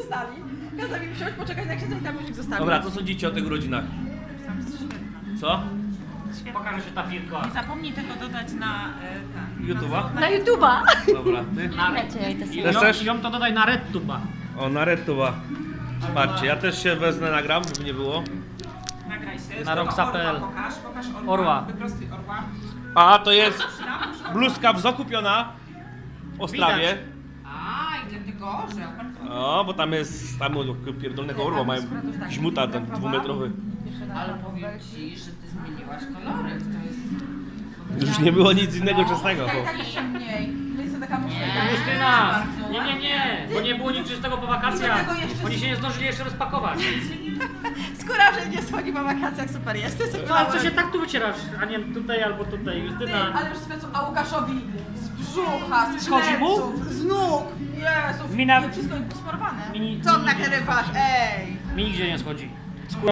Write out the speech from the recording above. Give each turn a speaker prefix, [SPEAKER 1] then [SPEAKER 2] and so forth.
[SPEAKER 1] zostali. Kazał mi wsiąść, poczekać na księdza i tam już zostawił.
[SPEAKER 2] Dobra, co sądzicie o tych urodzinach?
[SPEAKER 3] Sam jest świetna.
[SPEAKER 2] Co?
[SPEAKER 4] Pokażę się ta pilka.
[SPEAKER 3] Nie zapomnij tego dodać na
[SPEAKER 2] YouTube'a?
[SPEAKER 1] Na YouTube'a!
[SPEAKER 2] Dobra, ty?
[SPEAKER 4] I ją to dodaj na RedTube'a.
[SPEAKER 2] O, na RedTube'a. Patrzcie, ja też się wezmę, nagram, żeby nie było.
[SPEAKER 3] Nagraj się.
[SPEAKER 4] Na Roxa.pl.
[SPEAKER 3] Pokaż orła.
[SPEAKER 4] Orła.
[SPEAKER 3] Wyprostuj orła.
[SPEAKER 2] A, to jest bluzka kupiona w Ostrawie.
[SPEAKER 3] A, i dlatego, że...
[SPEAKER 2] O, bo tam jest, tam pierdolnego orła mają żmuta ten dwumetrowy.
[SPEAKER 3] Ale powiem ci, że ty zmieniłaś kolory. To jest...
[SPEAKER 2] Już nie było nic innego czesnego.
[SPEAKER 1] Tak jeszcze mniej. To jest taka muszka.
[SPEAKER 4] Justyna! Nie, bo nie było nic czystego po wakacjach.
[SPEAKER 1] Dlatego jeszcze-
[SPEAKER 4] Oni się nie zdążyli jeszcze rozpakować.
[SPEAKER 1] Skóra, że nie schodzi po wakacjach, super jest.
[SPEAKER 4] No ale co się tak tu wycierasz, a nie tutaj albo tutaj,
[SPEAKER 1] Ty,
[SPEAKER 4] Justyna.
[SPEAKER 1] ale już z a Łukaszowi z brzucha, z
[SPEAKER 4] Schodzi mu?
[SPEAKER 1] pleców, z nóg. Jezu,
[SPEAKER 4] Mina-
[SPEAKER 1] wszystko posmarowane.
[SPEAKER 4] Mi-
[SPEAKER 1] Co
[SPEAKER 4] mi-
[SPEAKER 1] nagrywasz? Ej!
[SPEAKER 4] Mi nigdzie nie schodzi.